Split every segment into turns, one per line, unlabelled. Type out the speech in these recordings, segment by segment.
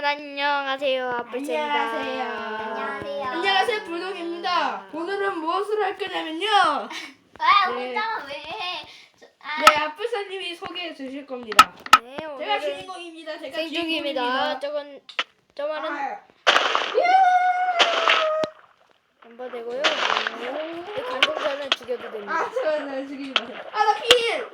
여러분 안녕하세요. 아플입니다.
안녕하세요.
안녕하세요, 불독입니다. 오늘은 무엇을 할 거냐면요.
아,
네.
혼자 왜 해?
네, 아플사님이 소개해 주실 겁니다.
네,
제가
오늘은
주인공입니다. 제가
생중입니다.
주인공입니다.
저만은
아,
멤버 되고요. 이 관종자는 죽여도 됩니다.
날 죽이지 마세요. 나 필!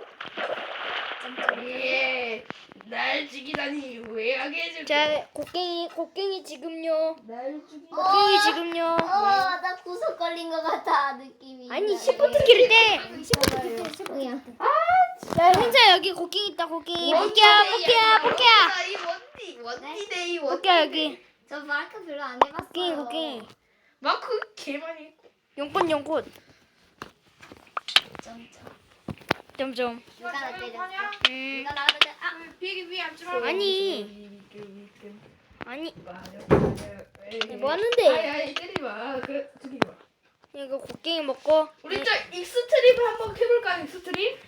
예, 날 죽이다니 후회하게 해줄 거야.
자, 곡괭이 지금요.
날 죽이다니.
곡괭이 지금요.
나 구석 걸린 것 같아 느낌이.
아니 시프트키를 떼.
뭐야?
야, 현자 여기 곡괭이 있다. 곡괭이. 뽑기야.
이 원디데이
뽑기야 여기.
저 마크 별로 안 해봤어요.
곡괭이.
마크 개 많이 했고.
용꽃. 점점.
누가 나 때렸어?
음.
누가 나를 때렸어?
비행기 위에 앉지 마.
아니
네,
뭐 하는데?
아니 때리지 마. 그 죽이지 마.
이거 곡괭이 먹고
우리 저 익스트림을 한번 해볼까? 익스트림?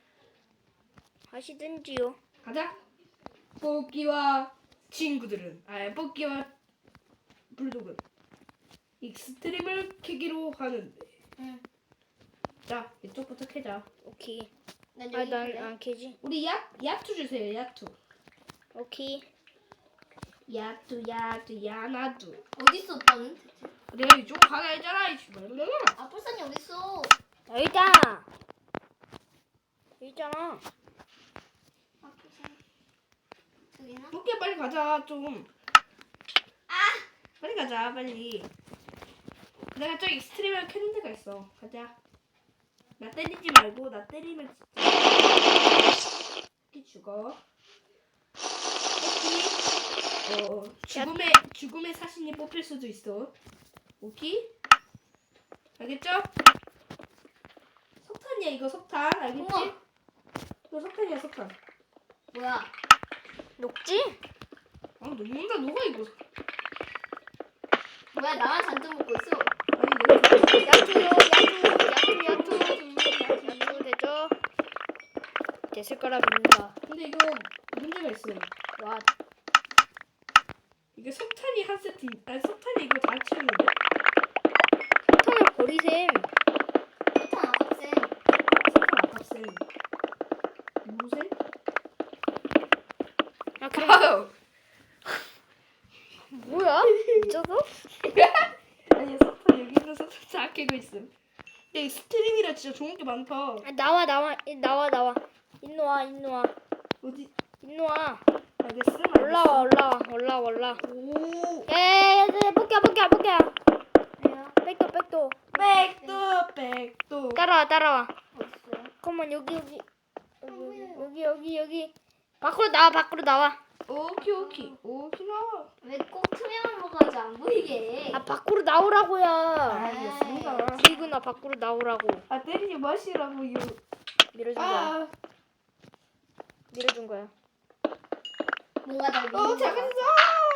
하시든지요.
가자. 뽑기와 친구들은 뽑기와 불독은 익스트림을 캐기로 하는데.
응.
자 이쪽부터 캐자.
오케이.
난 여기
난
있을래.
안 캐지.
우리 야투 주세요. 야투.
오케이.
야투 야나투.
어딨어 오빠는?
내가 이쪽 가라 했잖아.
아플산이 어딨어?
여기 있다. 여기 있잖아.
아플산. 저기나?
뽑기 빨리 가자 좀. 빨리 가자 빨리. 내가 저 익스트림을 캐는 데가 있어. 가자. 나 때리지 말고 나 때리면 진짜 이 죽어. 죽음의 사신이 뽑힐 수도 있어. 오케이? 알겠죠? 석탄이야 이거 석탄 알겠지?
우와.
이거 석탄이야 석탄.
뭐야?
녹지?
녹는다 녹아 이거.
뭐야 나만 잔뜩 먹고 있어?
아니 내가
야투요. 야투 되죠? 됐을 거라 믿는다.
근데 이거 문제가 있어요.
와,
이게 석탄이 한 세트, 석탄이 이거 다 채우는데?
ton을 버리셈.
폭탄 아깝세.
석탄 아깝세. 무슨?
아, 그럼 뭐야? 미쳤어?
아니 석탄 여기 있는 석탄 다 캐고 있음. 야, 이 스트링이라 진짜 좋은 게 많다.
아, 나와. 인노 와.
어디?
인노 와.
알겠어?
올라와.
오.
에, 뽑기야.
왜요?
백도.
백도.
따라와.
어딨어요?
컴온 여기. 밖으로 나와.
오키 나와.
왜 꼭 투명한 거 가지 안 보이게 해?
아, 밖으로 나오라고요.
알겠습니다.
이구나 밖으로 나오라고.
때리지 마시라고 요.
밀어준 거야.
뭔가 날 미는 거
작은
같아.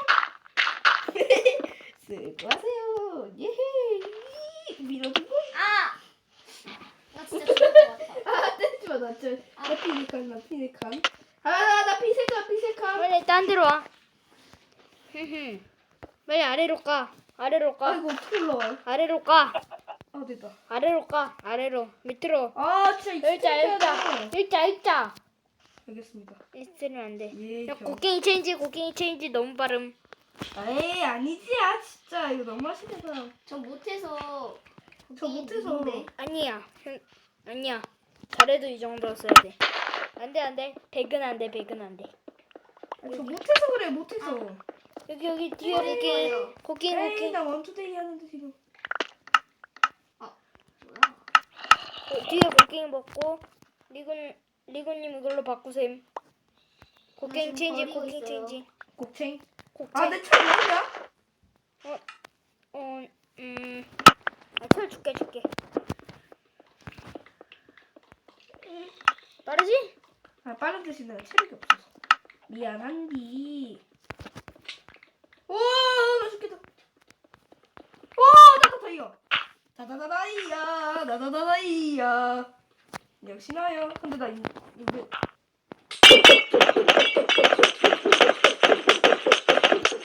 수고하세요. 예헤. 밀어주고.
나 진짜 죽을 것 같아.
때리지 마. 나 피니칸. 나 피색감.
빨리 딴 데로 와. 빨리 아래로 가.
아이고 어떻게 올라와?
아래로 가.
됐다.
아래로. 밑으로.
진짜
일자.
알겠습니다.
쓰면 안 돼.
예.
야, 곡괭이 체인지 너무 빠름.
에이 아니지 진짜 이거 너무 하시네요.
저 못해서.
저 못해서.
아니야. 잘해도 이 정도 써야 돼. 안 돼. 백은 안 돼.
저 못해서 그래 못해서.
여기 뒤에 곡괭이.
나 원투데이 하는데 지금.
뭐야?
뒤에 곡괭이 먹고 리곤님 이걸로 바꾸셈. 곡괭이
지금
체인지.
버리고
곡챙.
곡챙.
내 차 뭐야?
철 줄게. 빠르지?
빠른 대신 내가 체력이 없어서. 미안한디. 오, 나 죽겠다. 나다다이야. 다다다다이야. 역시 나요. 근데 나 이거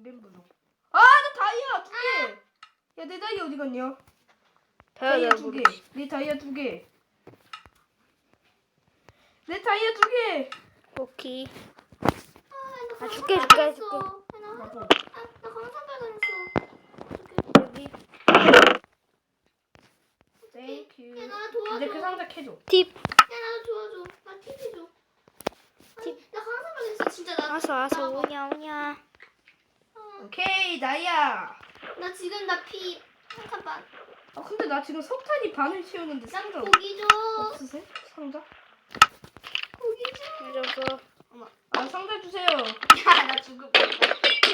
뱀 부족. 아, 나 다이아 2개. 야, 내 다이아 어디 갔냐? 다이아 2개. 내 다이아 2개. 내 다이아 2개.
오케이.
나
줄게.
나 강산 발견했어.
여기
땡큐.
야, 나 도와줘.
근데 그 상자 캐줘.
팁.
야, 나도 도와줘. 나 TV 줘. 나 강산 발견했어. 진짜 나.
와서
나
오냐 오냐.
오케이, 다이아.
나 지금 나 피 한 칸 반.
아, 근데 나 지금 석탄이 반을 채우는데
나
상자
고기 줘.
없으세요? 상자?
고기 줘.
이러고
아, 상자 주세요.
야, 나 죽을 뻔했다.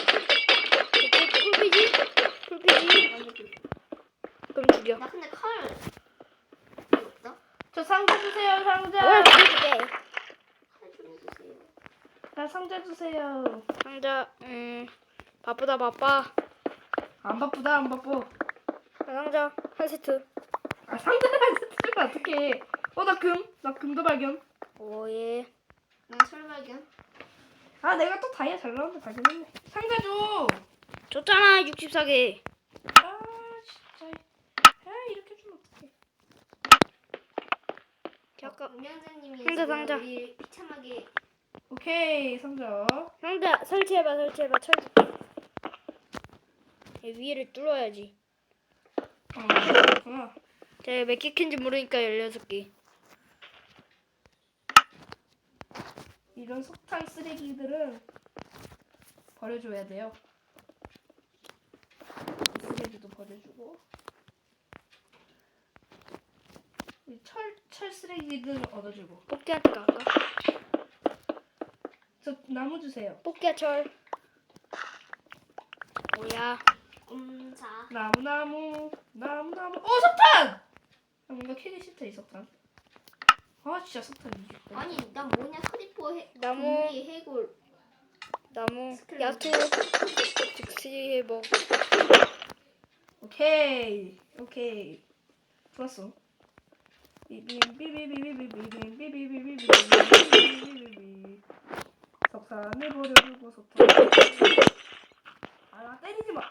풀피지? 풀피지? 그럼 죽여.
나 근데 칼 필요 없다.
저 상자 주세요, 상자.
뭘 죽여줄게.
칼 좀 해주세요.
나 상자 주세요.
상자 바쁘다 바빠.
안 바쁘다, 안 바빠.
상자 한 세트.
아, 상자를 안 쓰면 어떡해. 나 금도 발견.
오예.
나 철 발견.
아, 내가 또 다이아 잘 나오는데 발견했네. 상자 줘.
줬잖아 64개.
아, 진짜. 아, 이렇게 주면 어떡해.
잠깐.
운영자님이
상자.
우리 비참하게.
오케이, 상자.
상자 설치해봐. 철 줄게. 위를 뚫어야지.
그렇구나.
제가 몇 개 캔지 모르니까 16개.
이런 석탄 쓰레기들은 버려줘야 돼요. 쓰레기도 버려주고. 이 철 쓰레기들은 얻어주고.
뽑기한테 갈까?
저 나무 주세요.
뽑기야 철. 뭐야?
자.
나무. 석탄! 아, 뭔가 캐기 싫다, 이 석탄. 아, 진짜 석탄 이게.
아니, 난 뭐냐 크리퍼
나무.
좀비 해골.
나무
스켈레톤.
야투 즉시 회복.
오케이. 좋았어. 석탄을 버려주고 석탄. 아, 나 때리지 마.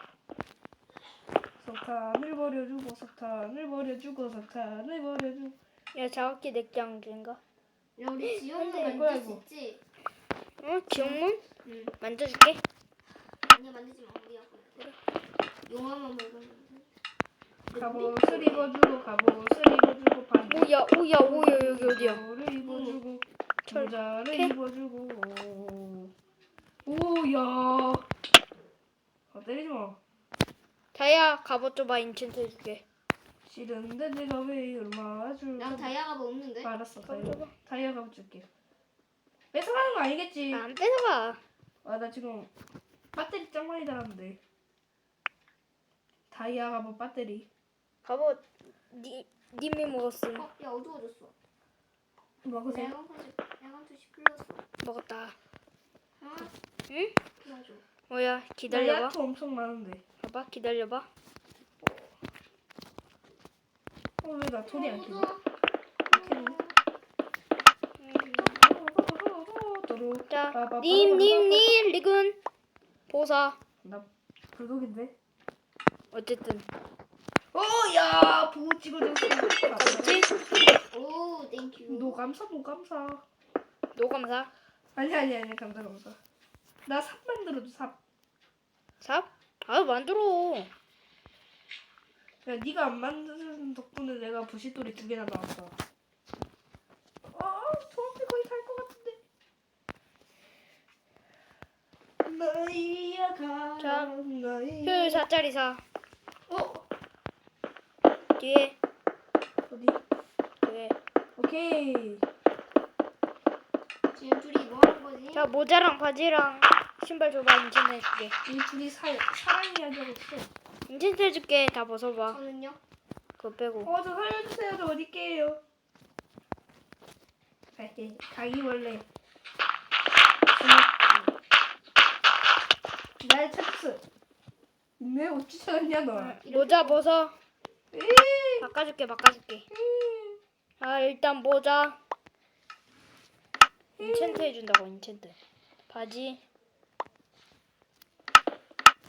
석탄을 버려주고.
야 자각기 내장 인가?
야, 우리 지옥문
돼,
만들
이거야,
수
이거.
있지?
어? 지옥문?
응.
만져줄게.
아니야, 만들지 마. 우리야. 그래. 용암만 먹으면 돼.
갑옷을 입어주고 바지.
오야 여기 어디야?
를 입어주고
철.
모자를
캐?
입어주고. 오야. 아, 때리지 마.
다이아 갑옷 줘봐 인챈트 해줄게.
싫은데 내가 왜 얼마 줄까?
난 다이아가 뭐 없는데?
알았어.
줘봐.
다이아 가고 줄게. 뺏어가는 거 아니겠지?
안 뺏어가.
아, 나 지금 배터리 짱 많이 달았는데. 다이아 가고 배터리.
갑옷 님이 먹었음.
야, 어두워졌어.
먹으세요.
야간 투시 풀렸어.
먹었다.
아,
응?
도와줘.
뭐야
나
기다려봐.
야채 엄청 많은데.
봐봐 기다려봐.
왜 나 소리 안 켜져?
자 님 리군 보사.
나 불독인데.
어쨌든
오야 보고 찍어줬어.
뭐지?
오, 땡큐.
너 감사.
노감사.
아니 감사. 나 삽 만들어줘 삽.
삽? 아 만들어.
야 네가 안 만드는 덕분에 내가 부싯돌이 2개나 나왔어. 아 저한테 거의 갈 것 같은데. 나이야가
자,
나이.
효율 4짜리 사.
어
뒤에
어디?
뒤에.
오케이.
지금 둘이 뭐 하는 거지?
자 모자랑 바지랑 신발 줘봐 인챈트 해줄게.
이 둘이 사랑 이야기하고 있어.
인챈트 해줄게. 다 벗어봐.
저는요?
그거 빼고.
저 살려주세요. 저 어딜게요? 가기벌레. 날 찾았어. 왜 어찌 찾았냐 너?
모자 벗어.
에이.
바꿔줄게. 아 일단 모자. 인챈트 해준다고 인챈트. 바지.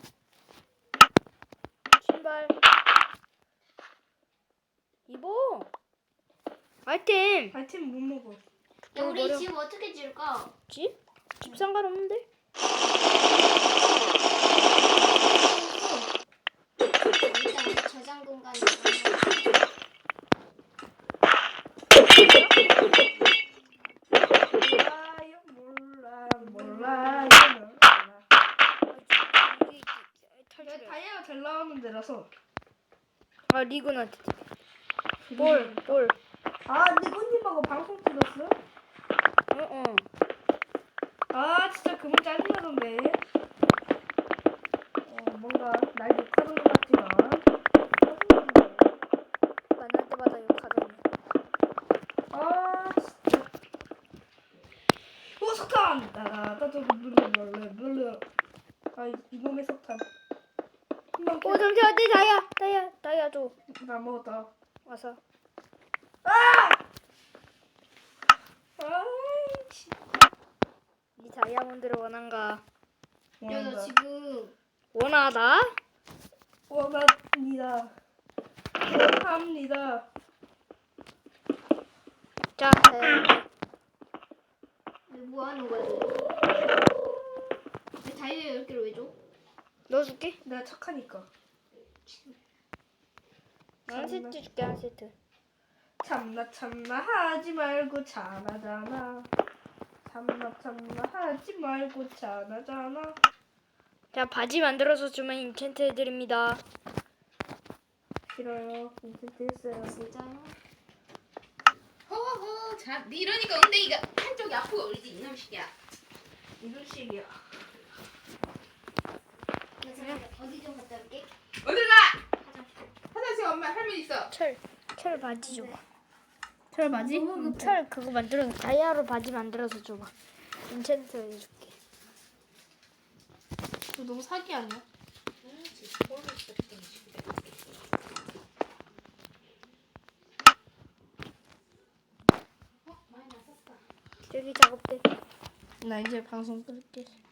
아이템.
아이템 못 먹어.
야 우리
버려.
집 어떻게 지을까?
집? 집 상관없는데?
일단 저장 공간이
몰라요.
이게 탈출해.
다이아가 잘 나오는 데라서.
아 리그나한테. 볼.
아, 니꾸님하고 방송 찍었어?
어.
아, 진짜 그분 짜증나던데. 뭔가 날 욕하는 것 같지만. 짜증나던데.
만날 때마다 욕하더니.
아, 진짜. 석탄! 아, 이놈의 석탄.
오 잠시만 내 다이아 줘.
나 먹었다.
와서.
아이씨.
이 다이아몬드를 원한가?
야나 지금
원하다?
원합니다. 원합니다.
자,
뭐 하는 거야? 왜 다이아 10개를 왜 줘?
넣어줄게.
내가 착하니까.
한 세트 줄게 한 세트.
참나 하지 말고 잘하잖아. 참나 하지 말고 잘하잖아.
자 바지 만들어서 주면 인챈트 해드립니다.
싫어요. 인센트 했어요.
진짜요?
허허. 자, 네 이러니까 엉덩이가 한쪽이 아프고 그러지 이놈 새끼야.
이런 식이야.
나 잠깐 어디 좀 갔다 올게.
어딜 가? 화장실 엄마 할머니 있어.
철 바지 줘봐.
철 바지?
철 그거 만들어서 다이아로 바지 만들어서 줘봐. 인챈트 해줄게.
너 너무 사기 아니야?
저기 작업대.
나 이제 방송 끌게.